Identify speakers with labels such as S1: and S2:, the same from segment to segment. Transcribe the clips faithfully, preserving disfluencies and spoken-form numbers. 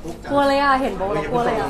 S1: กลัวเลยอ่ะเห็นโบแล้วกลัวเลยอ่ะ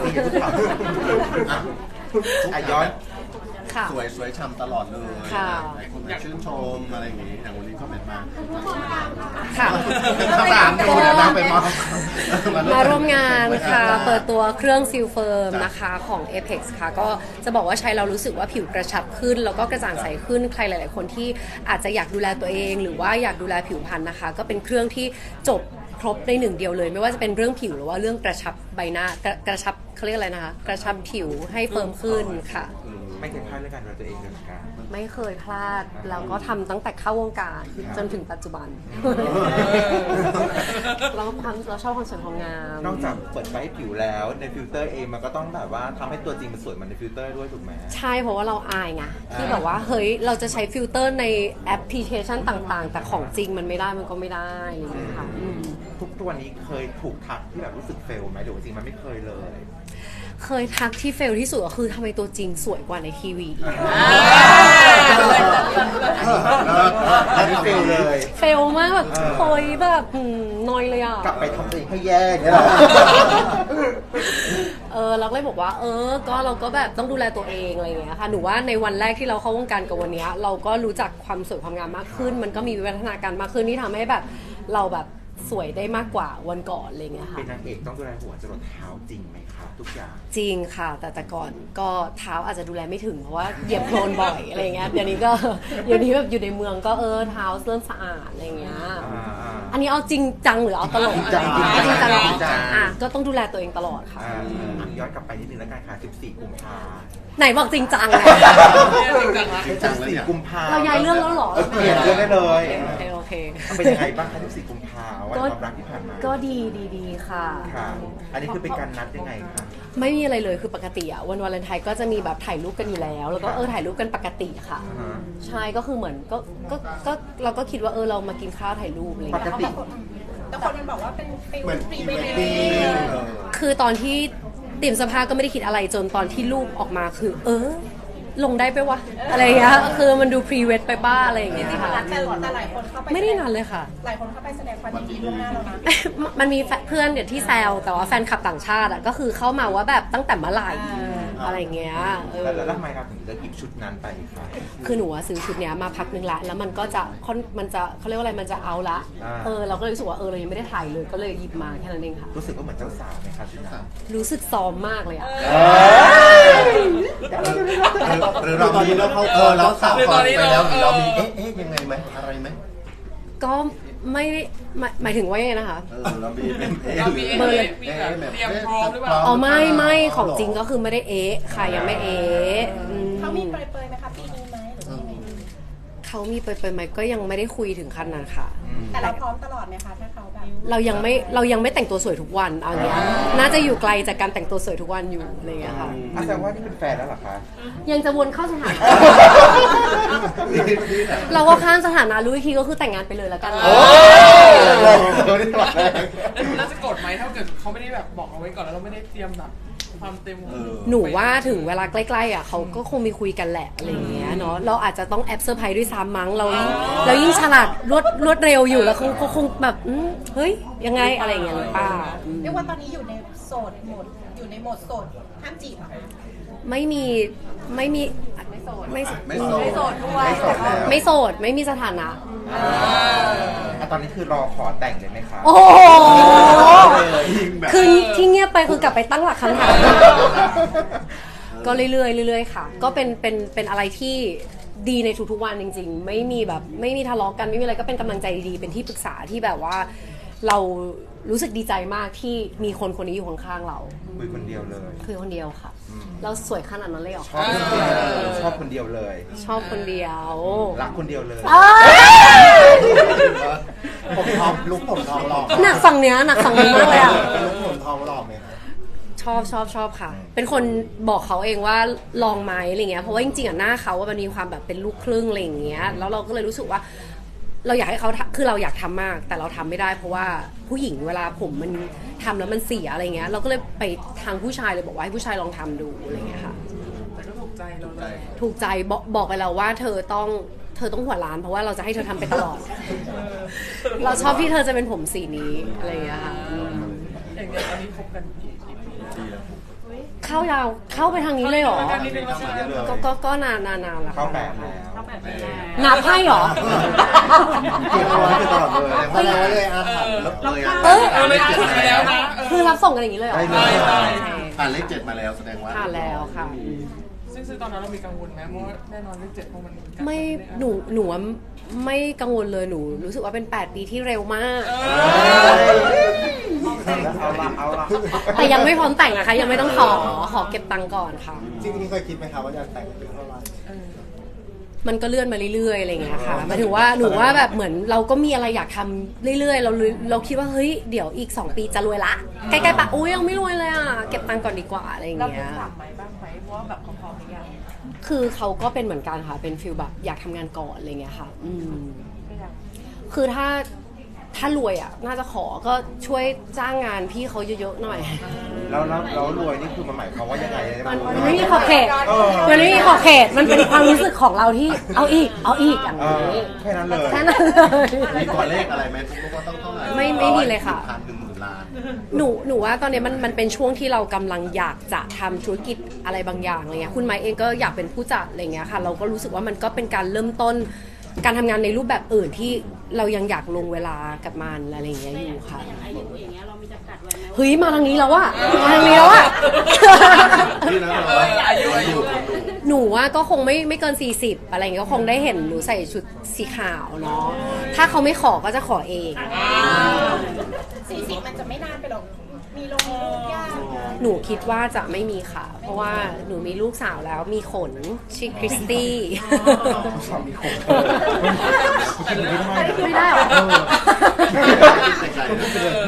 S2: อ่ะย้อน
S1: ค่ะ
S3: สวยสวยช่ำตลอดเลย
S1: ค่ะ
S3: หลายคนมาชื่นชมอะไรอย่างงี้อย่างวันนี้ก็เป็นมา
S1: ค่ะ
S3: ข้าวสารดูนะนั่งไปมอบ
S1: มาร่วมงานค่ะ เปิดตัวเครื่องซิลเฟิร์มนะคะของ Apex ค่ะ ก็จะบอกว่าใช้เรารู้สึกว่าผิวกระชับขึ้น แล้วก็กระจ่างใสขึ้นใครหลาย ๆ คนที่อาจจะอยากดูแลตัวเอง หรือว่าอยากดูแลผิวพรรณนะคะ ก็เป็นเครื่องที่จบครบในหนึ่งเดียวเลย ไม่ว่าจะเป็นเรื่องผิวหรือว่าเรื่องกระชับใบหน้ากระกระชับเขาเรียกอะไรนะคะกระชับผิวให้เฟิร์มขึ้นค่ะ
S2: ไม่เคยพลาดเรื่องการดูแลตัวเองเลยเหมือนกัน
S1: ไม่เคยพลาดแล้วก็ทำตั้งแต่เข้าวงการจนถึงปัจจุบัน เราความเราชอบความสวยความงาม
S2: นอกจากเปิดไฟให้ผิวแล้วในฟิลเตอร์เองมันก็ต้องแบบว่าทำให้ตัวจริงมันสวยเหมือนในฟิลเตอร์ด้วยถูกไหม
S1: ใช่เพราะว่าเราอายไงที่แบบว่าเฮ้ยเราจะใช้ฟิลเตอร์ในแอปพลิเคชันต่างๆ แต่ของจริงมันไม่ได้มันก็ไม่ได้อะไรอย่างเงี้ยค่ะอืม
S2: ทุกตัวนี้เคยถูกทักที่แบบรู้สึกเฟลไหมหรือว่าจริงมันไม่เคยเลย
S1: เคยทักที่เฟลที่สุดก็คือทำไมตัวจริงสวยกว่าในทีวี
S2: อันนี้เฟลเลย
S1: เฟลมากแบบโอยแบบอืมนอยเลยอ่ะ
S2: กลับไปทำตัวเองให้แย่เนี่ยหรอ
S1: เออเราก็เลยบอกว่าเออก็เราก็แบบต้องดูแลตัวเองอะไรอย่างเงี้ยค่ะหนูว่าในวันแรกที่เราเข้าวงการกับวันเนี้ยเราก็รู้จักความสวยความงามมากขึ้น มันก็มีวิวัฒนาการมากขึ้นที่ทำให้แบบเราแบบสวยได้มากกว่าวันก่อนอะไรอย่างเงี้ยค่ะ
S2: เป็นนางเอกต้องดูแลหัวจรดเท้าจริงไหมคะทุกอย่าง
S1: จริงค่ะแต่แต่ก่อนก็เท้าอาจจะดูแลไม่ถึงเพราะว่าเหยียบโคลนบ่อยอะไรเงี้ยเดี๋ยวนี้ก็เดี๋ยวนี้แบบอยู่ในเมืองก็เออเท้าเริ่มสะอาดอะไรเงี้ยอันนี้เอาจริงจังหรือเอาตลก
S2: จริงจัง
S1: เอาจริงจังเหรอ
S2: จริงจัง
S1: อ่ะก็ต้องดูแลตัวเองตลอดค่ะ
S2: อ่าย้อนกลับไปนิดนึงแล้วกันค่ะสิบสี่กุมภา
S1: ไหนบอกจริงจังไง
S2: สิบสี่กุมภา
S1: เราย้ายเรื่องแล้วเหรอ
S2: เปลี่ยนเรื่องได้เลย
S1: โอเคโอเค
S2: เป็นยังไงบ้างคะสิบสี่กุมภาวันความรักที่ผ่านมา
S1: ก็ดีดีดีค่ะ
S2: ค่ะ อันนี้คือเป็นการนัดยังไงคะ
S1: ไม่มีอะไรเลยคือปกติอะวันวาเลนไทน์ก็จะมีแบบถ่ายรูปกันอยู่แล้ว แล้วก็เออถ่ายรูปกันปกติค่ะ
S2: อ่าฮะ
S1: ใช่ก็คือเหมือนก็ก็ก็เราก็คิดว่าเออเรามากินข้าวถ่ายรูปอะไร
S2: ป
S1: เงี้
S2: ก
S1: ย
S2: ติ
S4: แต่คนมันบอกว่าเป็นฟิล
S3: เหมือน
S4: พรี
S3: พรี
S4: เว
S3: เว
S4: ด
S3: ด
S4: ดิ้
S3: ดิ้
S4: ง
S3: ง
S1: คือตอนที่เตรียมเสภาก็ไม่ได้คิดอะไรจนตอนที่รูปออกมาคือ เออ ลงได้ไปวะอะไรเงี้ยคือมันดูพรีเวดไปบ้าอะไรอย่างเงี้ยค่ะ
S4: แต่แต่หลายคนเข้าไป
S1: ไม่ได้นานเลยค่ะ
S4: หลายคนเข้าไปแสดงความยินดีล่วงหน้าแล้วนะ
S1: มันมีเพื่อนเดี๋ยวที่แซวแต่ว่าแฟนคลับต่างชาติอ่ะก็คือเข้ามาว่าแบบตั้งแต่เมื่อไหร่อะไรเงี้ยเออ
S2: แล้วแล้วทำไมเราถึงเลือกหยิบชุดนั้นไปคะ
S1: คือหนูอะซื้อชุดเนี้ยมาพักหนึ่งละแล้วมันก็จะค่อนมันจะเขาเรียกว่าอะไรมันจะเอาละ
S2: อ่า
S1: เออเราก็เลยรู้สึกว่าเออเรายังไม่ได้ถ่ายเลยก็เลยหยิบมาแค่นั้นเองค่ะ
S2: รู้สึกว่าเหมือนเจ้าสาวไหมคะชุดนั้น
S1: รู้สึกซ้อมมากเลยอ่ะ
S3: หรือเรามีเราเขาเออเราสาวก่อนไปแล้วหรือเรามีเอ๊ะเอ๊ะยังไงไหมอะไรไหม
S1: ก็ไม่ได้หมายหมายถึงว่ายังไงนะคะ
S3: เออเรามีเป็นเอ๊ะ
S5: เรามี
S3: หรือ
S1: เบอร์เลย
S5: มีแบบเตรียมพร้อมหรือเปล่า
S1: อ๋อไม่ไม่ของจริงก็คือไม่ได้เอ๊ะค่ะยังไม่เอ๊ะอืม
S4: เขามีเปรยๆไหมคะปีนี้ไหมหรือว่ายังไง
S1: เขามีไปไปไหมก็ยังไม่ได้คุยถึงขั้นนั้นค่ะ
S4: แต่เราพร้อมตลอดไหมคะถ้าเขาแบบ
S1: เรายังไม่เรายังไม่แต่งตัวสวยทุกวันเอาเงี้ยน่าจะอยู่ไกลจากการแต่งตัวสวยทุกวันอยู่อะไรเงี้ยค่ะ
S2: อาแสดงว่านี่เป็นแฟนแล้วเหรอคะ
S1: ยังจะวนเข้าสถานะ เราก็ข้ามสถานะรู้อีกทีก็คือแต่งงานไปเลยแล้วกัน
S2: โอ้ยนี่ตลอดเลย
S5: น่าจะกดไหมถ้าเกิดเขาไม่ได้แบบบอกเอาไว้ก่อนแล้วเราไม่ได้เตรียมแบบความเต็ม
S3: เออ
S1: หนูว่าถึงเวลาใกล้ๆอ่ะเขาก็คงมีคุยกันแหละอะไรอย่างเงี้ยเนาะเราอาจจะต้องแอบเซอร์ไพรส์ด้วยซ้ำมั้งเรายิ่งเรายิ่งฉลาดรวดรวดเร็วอยู่แล้วคงเขาคงแบบอืมเฮ้ยยังไงอะไรอย่างเงี้ยหรือเปล่าอืม
S4: เรียกว่าตอนนี้อยู่ในโสดโหมดอยู่ในโหมดโสดห้ามจีบเหรอคะ
S1: ไม่มีไม่มีไม่โสดไม่
S3: ไม่โสด
S4: ไม่โสดด้วย
S2: ไม่โสดแล้ว
S1: ไม่โสดไม่มีสถานะ
S2: อ่ะตอนนี้คือรอขอแต่งเลยไหมคะ
S1: โอ้โห
S3: ยิงแบบ
S1: คือที่เงียบไปคือกลับไปตั้งหลักคำถาม ก็เรื่อยๆเรื่อยๆค่ะ ก็เป็นเป็นเป็นอะไรที่ดีในทุกๆวันจริงๆ ไม่มีแบบไม่มีทะเลาะกันไม่มีอะไรก็เป็นกำลังใจดีๆเป็นที่ปรึกษาที่แบบว่า เรารู้สึกดีใจมากที่มีคนคนนี้อยู่ข้างๆเรา
S2: คุยคนเดียวเลย
S1: คือคนเดียวค่ะ เราสวยขนาดนั้นเลยเหรอ
S2: ชอบคนเดียวชอบคนเดียวเลย
S1: ชอบคนเดียว
S2: รักคนเดียวเลย
S1: เอ้ย
S3: ผมทองลุกผมทองหล่อ
S1: หนักฝั่งเนี้ยหนักฝั่งนี้มากเลยอ่ะ
S3: ลุกผมทองหล่อไหมครับ
S1: ชอบชอบชอบค่ะ เป็นคนบอกเขาเองว่าลองไหมอะไรเงี้ย เพราะว่าจริงๆอ่ะหน้าเขาว่ามันมีความแบบเป็นลูกครึ่งอะไรอย่างเงี้ย แล้วเราก็เลยรู้สึกว่า เราอยากให้เขาทำคือเราอยากทำมาก แต่เราทำไม่ได้ เพราะว่าผู้หญิงเวลาผมมันทำแล้วมันเสียอะไรเงี้ย เราก็เลยไปทางผู้ชายเลยบอกว่าให้ผู้ชายลองทำดูอะไรเงี้ยค่ะ
S5: แต่ก็ถูกใจเราเลย
S1: ถูกใจบอกบอกไปแล้วว่าเธอต้องเธอต้องหัวล้าน เพราะว่าเราจะให้เธอทำไปตลอด เราชอบที่เธอจะเป็นผมสีนี้อะไรอย่างเงี้ยค่ะอืม
S5: อย่างเงี้ยตอนนี้คบกันกี่ปี
S1: เข้ายาวเข้าไปทางนี้เลยเหรอ
S5: กันนิดนึงแล้วใช่ไหม
S1: ก็ก็ก็นานนานนานแล้ว
S2: เข้า
S1: ค่ะ
S2: แปดแล้ว
S1: นับให้เหรอ
S3: เก็บเอาไว้ตลอดเลยแสดงว่าเลยอาถรรพ์เลยอ่ะ
S1: เออ
S5: เออเลยเจ็ดไปแล้วนะเออ
S1: คือรับส่งกันอย่างนี้เลยเหรอ
S2: ได้เลย
S5: ใช่
S3: ผ่านเลขเจ็ดมาแล้วแสดงว่า
S1: ผ่านแล้วค่ะ
S5: ซึ่งซึ่งตอนนั้นเรามีกังวลไหมเพราะว่าแน่นอนเลขเจ็ดเพราะมันใกล้
S1: ไม่หนูหนูว่าไม่กังวลเลยหนูรู้สึกว่าเป็น แปด ปีที่เร็วมาก
S5: เออ
S2: เอาละเอาละ
S1: แต่ยังไม่พร้อมแต่งนะคะ ยังไม่ต้องขอขอเก็บตังค์ก่อนค่ะ
S3: จริงๆเคยคิดไหมคะว่าจะแต่งเป็นเท่าไหร่
S1: มันก็เลื่อนมาเรื่อยๆอะไรอย่างเงี้ยค่ะหมายถึงว่าหนูว่าแบบเหมือนเราก็มีอะไรอยากทำเรื่อยๆ เราเราคิดว่าเฮ้ยเดี๋ยวอีกสองปีจะรวยละใกล้ๆปะอุ้ยยังไม่รวยเลยอ่ะเก็บตังค์ก่อนดีกว่าอะไรอย่าง
S4: เรา
S1: เงี้
S4: เป็น
S1: ย
S4: สามไหมบ้างไหมเพราะว่าแบบเขาพร้อมหรือยัง
S1: คือเขาก็เป็นเหมือนกันค่ะเป็นฟิลแบบอยากทำงานก่อนอะไรเงี้ยค่ะอืม
S4: ก็ยัง
S1: คือถ้าถ้ารวยอ่ะน่าจะขอก็ช่วยจ้างงานพี่เขาเยอะๆหน่อย
S2: แล้วแล้วแล้วรวยนี่คือมันหมายความว่ายังไง
S1: มันมันไม่มีขอบเขตมันไม่มีขอบเขตมันเป็นความรู้สึกของเราที่เอาอีกเอาอีกอย่าง
S2: เออ
S1: นี้
S2: แค่นั้นเลย
S1: แค่นั้นเลย
S3: มีตัวเลขอะไรไหมทุกคนต้องเท่าไหร่
S1: ไม่ไม่มีเลยค่ะ
S3: พันหนึ่งหมื่นล้าน
S1: หนูหนูว่าตอนนี้มันมันเป็นช่วงที่เรากำลังอยากจะทำธุรกิจอะไรบางอย่างอะไรเงี้ยคุณไมค์เองก็อยากเป็นผู้จัดอะไรเงี้ยค่ะเราก็รู้สึกว่ามันก็เป็นการเริ่มต้น การทำงานในรูปแบบอื่นที่เรายังอยากลงเวลากับมันอะไรอย่างเงี้ยอยู่ค่ะ
S6: อายุอย่างเงี้ยเรามีจำกัดไว้ไหม
S1: เฮ้ยมาทางนี้แล้วอะมาทางนี้แล้วอะ
S3: นี่นะ
S5: เอออายุอายุ
S1: หนูว่าก็คงไม่ไม่เกินสี่สิบอะไรเงี้ยก็คงได้เห็นหนูใส่ชุดสีขาวเนาะถ้าเขาไม่ขอก็จะขอเอง
S4: สี่สิบมันจะไม่นานไปหรอกมีลงมีลูกยาก
S1: หนูคิดว่าจะไม่มีค่ะ เพราะว่าหนูมีลูกสาวแล้วมีขนชื่อคริสตี้
S2: สามีคงกินไม่ได้
S1: ไม่ได้เหรอ
S3: ใจๆนะ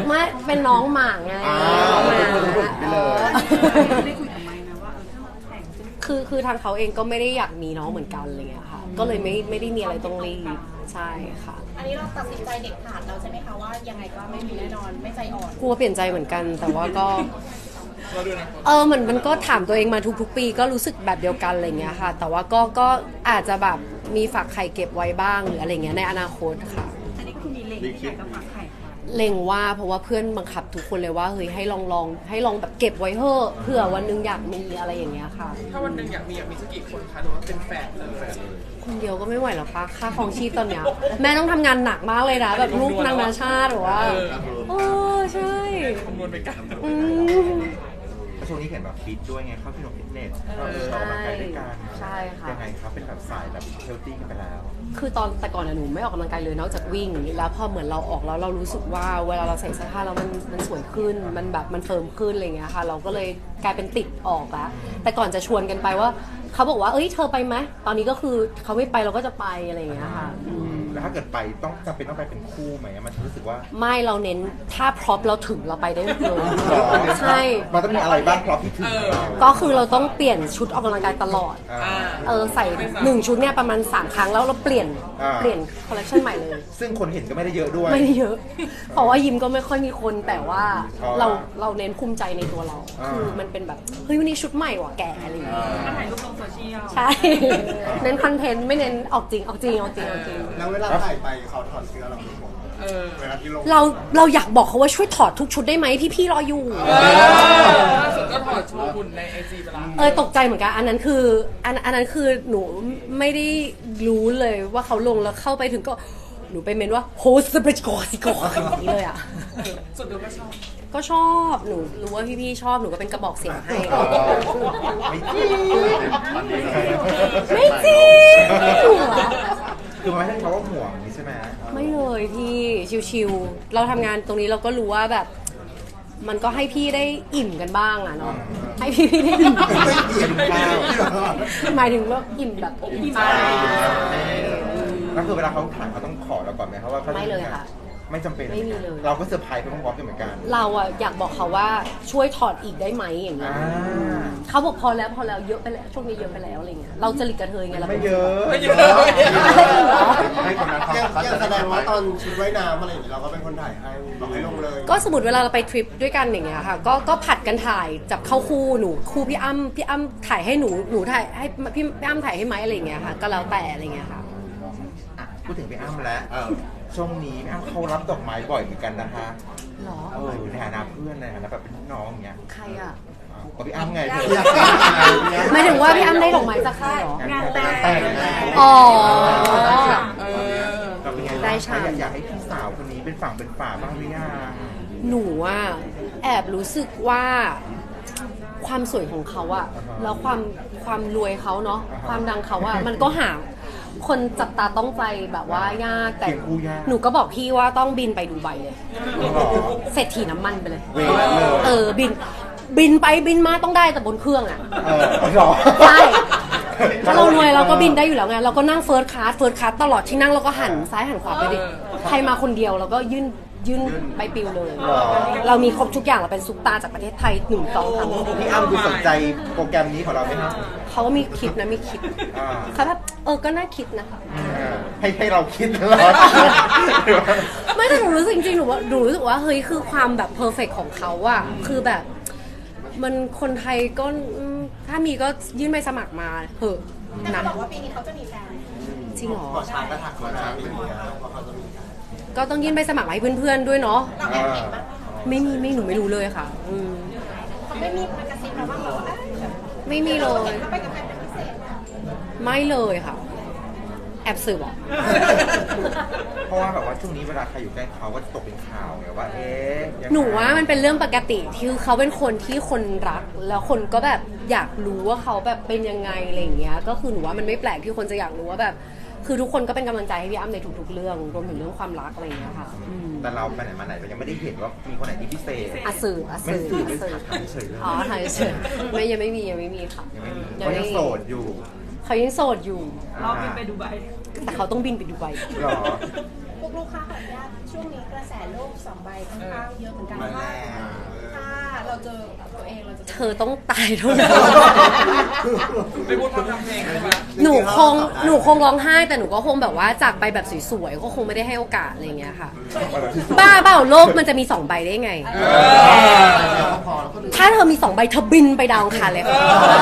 S1: ไม่เป็นน้องหมาไง
S2: อ่า
S1: น้องหมา
S2: ไปเลย
S6: ได้คุยกับไมค์นะว่าเออถ้าเราแต่งจะ
S1: คือคือทางเขาเองก็ไม่ได้อยากมีน้องเหมือนกันอะไรเงี้ยค่ะ ก็เลยไม่ไม่ได้มีอะไรต้องรีบใช่ค่ะ
S4: อันนี้เราตัดสินใจเด็ดขาดเราใช่ไหมคะว่ายังไงก็ไม่มีแน่นอนไม่ใจอ่อน
S1: กลัวเปลี่ยนใจเหมือนกัน แต่ว่าก็
S5: เราดูนะ
S1: เออเหมือนมันก็ถามตัวเองมาทุกๆ ปีก็รู้สึกแบบเดียวกันอะไรเงี้ยค่ะ แต่ว่าก็ก็อาจจะแบบมีฝากไข่เก็บไว้บ้างหรืออะไรเงี้ยในอนาคตค่ะ
S6: อันนี้ก็คือมีเล็งที่อยากจะฝากไข่ค่ะ
S1: เล็งว่าเพราะว่าเพื่อนบังคับทุกคนเลยว่าเฮ้ยให้ลองลองให้ลองแบบเก็บไว้เถอะเผื่อวันหนึงอยากมีอะไรอย่างเงี้ยค่ะ
S5: ถ้าวันหนึ่งอยากมีอยากมีสักกี่คนคะหรือว่าเป็นแฟนเลย
S1: คนเดียวก็ไม่ไหวหรอกปะค่าครองชีพตอนเนี้ยแม่ต้องทำงานหนักมากเลยนะแบบลูกนางนาชาติหรือว่าโอ้ใช่
S5: คำนวณไปกัน
S1: อืม
S2: ช่วงนี้เห็นแบบฟิตด้วยไงเข้าฟิตฟิตเนสก็เออออกกำลังกายด้วยกัน
S1: ใช่ค่ะ
S2: ยังไงครับเป็นแบบสายแบบเฮลตี้กันไปแล้ว
S1: คือตอนแต่ก่อนอะหนูไม่ออกกำลังกายเลยนอกจากวิ่ง แล้วพอเหมือนเราออกแล้วเรารู้สึกว่าเวลาเราใส่เสื้อผ้าแล้วมันมันสวยขึ้นมันแบบมันเฟิร์มขึ้นอะไรเงี้ยค่ะ เราก็เลยกลายเป็นติดออกละแต่ก่อนจะชวนกันไปว่าเขาบอกว่าเอ้ยเธอไปไหมตอนนี้ก็คือเขาไม่ไปเราก็จะไปอะไรเงี้ยค่ะอืม
S2: แล้วถ้าเกิดไปต้องจำเป็นต้องไปเป็นคู่ไหมมันรู้สึกว่า
S1: ไม่เราเน้นถ้าพร็อพเราถึงเราไปได้เลยใช่
S2: มันต้องมีอะไรบ้างพร้อมที่ถึงเรา
S1: ก็คือเราต้องเปลี่ยนชุดออกกำลังกายตลอด
S2: อ่า
S1: เออใส่หนึ่งชุดเนี่ยประมาณสามครั้งแล้วเราเปลี่ยน
S2: อ่า
S1: เปลี่ยนคอลเลคชันใหม่เลย
S2: ซึ่งคนเห็นก็ไม่ได้เยอะด้วย
S1: ไม่ได้เยอะ เพราะว่ายิมก็ไม่ค่อยมีคนแต่ว่า
S2: อ๋อ
S1: เราเราเน้นภูมิใจในตัวเรา
S2: อ่า
S1: คือมันเป็นแบบเฮ้ยวันนี้ชุดใหม่ว่ะแกอะไรอย่างเงี้ย
S6: มาถ่ายรูปลงโซเชียล
S1: ใช่ เน้นคอนเทนต์ไม่เน้นออกจริงออกจริงออกจริงออกจริง
S3: แล้วเวลาถ่ายไปเขาถอดเสื้อเราทุกคน
S5: เออ
S3: เวลาที่ลง
S1: เราเราอยากบอกเขาว่าช่วยถอดทุกชุดได้ไหมพี่ๆรออยู่
S5: ล่าสุดก็ถอดโชว์หุ่นในไอจีไปละ
S1: เออตกใจเหมือนกันอันนั้นคืออันอันนั้นคือหนูไม่ได้รู้เลยว่าเขาลงแล้วเข้าไปถึงก็หนูไปเมนว่าโฮสเปรชโกสิโกอย่างนี้เลยอ่ะ
S5: สุดดูก็ชอบ
S1: ก็ชอบหนูรู้ว่าพี่ๆชอบหนูก็เป็นกระบอกเสียงให้
S2: ไม่จริง
S1: ไม่จริงหัว
S2: คือมันไม่ใช่เขาว่าห่วงนี่ใช่ไหม
S1: ไม่เลยพี่ชิวๆเราทำงานตรงนี้เราก็รู้ว่าแบบ มันก็ให้พี่ได้อิ่มกันบ้างอะเนาะให้พี่พี่ได้อิ่ม
S2: เป็นข้าว
S1: หมายถึงว่าอิ่มแบบอิ่มใจ
S2: แล้วคือเวลาเขาถ่ายเขาต้องขอเราก่อนไหมครับว่าขาจะ
S1: ไม่เลยค่ะ
S2: ไม่จำเป็น
S1: ไม่มีเลย
S2: เราก็เซอร์ไพรส์ไปพร้อมๆกันเหมือนกัน
S1: เราอะอยากบอกเขาว่าช่วยถอดอีกได้ไหมอย่างเงี้
S2: อ่าย
S1: เขาบอกพอแล้วพอแล้วเยอะไปแล้วช่วงนี้เยอะไปแล้วอะไรเงี้ยเราจะหลีกกระเทยไงเรา
S2: ไม่
S1: ป็น
S2: เยอะ
S5: ไม่เยอะ
S1: อะไรอีกเหรอ
S2: ให้คนนั้นเขา
S3: ยัง
S2: เขา
S3: ยัง
S2: จะ
S3: แสดงว่าตอนชุดว่ายน้ำอะไรอย่างนี้เราก็เป็นคนถ่ายให้บอกให้ลงเลย
S1: ก็สมมติเวลาเราไปทริปด้วยกันอย่างเงี้ยค่ะก็ก็ผัดกันถ่ายจับเข้าคู่หนูคู่พี่อ้ำพี่อ้ำถ่ายให้หนูหนูถ่ายให้พี่พี่อ้ำถ่ายให้ไหมอะไรอย่างเงี้ยค่ะก็แล้วแต่อะไรเงี้ยค่ะ
S2: อ่ะพูดถึงพี่อ้ำแล้วเออช่วงนี้พี่อ้ำเขารับดอกไม้บ่อยเหมือนกันนะคะ
S1: หรอ
S2: เออในฐานะเพื่อนในฐานะแบบเป็นพี่น้องอย่างเงี้ย
S1: ใครอ่ะ
S2: ก็พี่อ้ำไงเธอ
S1: หมายถึงว่าพี่อ้ำได้ดอกไม้จากใครเหรอ
S6: งานแต่ง
S3: แต่งงาน
S1: อ๋อ
S5: เออ
S2: เราเป็นไง
S1: ได้ชาม
S2: อยากอยากให้พี่สาวคนนี้เป็นฝั่งเป็นฝาบ้างหรือยัง
S1: หนูอ่ะแอบรู้สึกว่าความสวยของเขาอะแล้วความความรวยเขาเนาะความดังเขาอะมันก็หาคนจับตาต้องใจแบบว่ายากแต่
S2: เก่งคู่ยาก
S1: หนูก็บอกพี่ว่าต้องบินไปดูไบเลย
S2: หรอ
S1: เศรษฐีน้ำมันไปเลย
S2: เวทเลย
S1: เออบินบินไปบินมาต้องได้แต่บนเครื่องอะ
S2: เออหรอ
S1: ใช่ถ้าเรารวยเราก็บินได้อยู่แล้วไงเราก็นั่งเฟิร์สคลาสเฟิร์สคลาสตลอดที่นั่งเราก็หันซ้ายหันขวาไปดิใครมาคนเดียวเราก็ยื่นยื่นใบปลิวเลย
S2: หรอ
S1: เรามีครบทุกอย่างเราเป็นซุปตาจากประเทศไทยหนึ่งสองสาม
S2: พี่อ้ำดูสนใจโปรแกรมนี้ของเราไหมครับ
S1: เขาก็มีคิดนะมีคิด
S2: อ่า
S1: เขาแบบเออก็น่าคิดนะคะ
S2: ให้ให้เราคิดตลอด
S1: ไม่แต่หนูรู้สึกจริงๆหนูว่าหนูรู้สึกว่าเฮ้ยคือความแบบเพอร์เฟกของเขาอะคือแบบ มันคนไทยก็อืมถ้ามีก็ยื่นใบสมัครมาเหอะ
S4: แต่
S1: นะ
S4: เขาบอกว่าปีนี้เขาจะมีแฟน
S1: จริงเหรอ
S3: ขอช้างก็ถักขอช้างเป็นอย่างเงี้ยเพราะเขาจะมีการ
S1: ก็ต้องยื่นใบสมัครมาให้เพื่อนๆด้วยเนาะ
S4: เราแอบเห็นบ้างไหมคะ
S1: ไม่มีไม่หนูไม่รู้เลยค่ะ อืม
S4: เขาไม่มีมากระซิบเราบ้างเหรอว่าเอ้ยแบบ
S1: ไม่มีเลย
S4: เขาไปกับใครเป็นพิเศษ
S1: ไม่เลยค่ะ แอบสืบอ่ะ
S2: เพราะว่าแบบว่าช่วงนี้เวลาใครอยู่ใกล้เขาก็จะตกเป็นข่าวไงว่า เอ๊ะยังไง
S1: หนูว่ามันเป็นเรื่องปกติที่เขาเป็นคนที่คนรัก แล้วคนก็แบบอยากรู้ว่าเขาแบบเป็นยังไงอะไรอย่างเงี้ย ก็คือหนูว่ามันไม่แปลกที่คนจะอยากรู้ว่าแบบ คือทุกคนก็เป็นกำลังใจให้พี่อ้ำในทุกๆเรื่องรวมถึงเรื่องความรักอะไรอย่างเงี้ยค่ะอืม
S2: แต่เราไปไหนมาไหนเรายังไม่ได้เห็นว่ามีคนไหนที่พิเศษ
S1: อาสื่ออา
S2: ไม่
S1: สื่อ
S2: สื่อ
S1: อา
S2: ไม่
S1: สื่อ
S2: ถามเฉยๆเลย
S1: อ๋อถ่ายเฉยไม่ยังไม่มียังไม่มีค่ะ
S2: ยังไม่มี
S1: ยัง
S2: เขา
S1: ไม่
S2: ยัง
S1: มี
S2: โสดอยู่
S1: เขายังโสดอยู่
S6: รอบบินไปดูไบ
S1: แต่เขาต้องบินไปดูไบ
S2: หรอ
S4: พวกลูกค้าขออนุญาตช่วงนี้กระแสโลกสองใบค่อนข้างเยอะเหมือนกันว่าถ้าเราเจอตัวเองเราจะ
S1: เธอต้องตายเท่านั้น
S5: ไม่พูดพร่ำทำเพลงใช่ไหม
S1: หนูคงหนูคงร้องไห้แต่หนูก็คงแบบว่าจากไปแบบสวยๆก็คงไม่ได้ให้โอกาสอะไรอย่างเงี้ยค่ะ บ้าเปล่าโลกมันจะมีสองใบได้ไง ถ้าเธอมีสองใบเธอบินไปดาวอังคารเลยค่ะ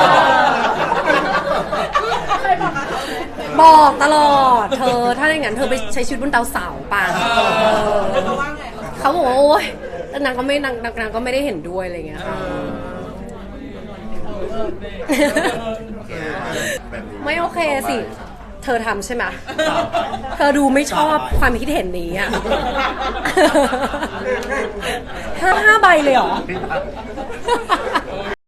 S4: เคยบอกกับเขาไหม
S1: บอกตลอด เธอถ้าอย่างนั้นเธอไปใช้ชีวิตบนดาวเสาร์ป่ะเออ
S4: เขาว่าไงเขา
S1: เขาบอกว่าโอ๊ยแต่นางก็ไม่นางนางนางก็ไม่ได้เห็นด้วยอะไรอย่างเงี้ยค่ะ ไม่โอเคสิ เธอทำใช่ไหม เธอดูไม่ชอบความคิดเห็นนี้อ่ะ ห้าห้าใบเลยเหรอ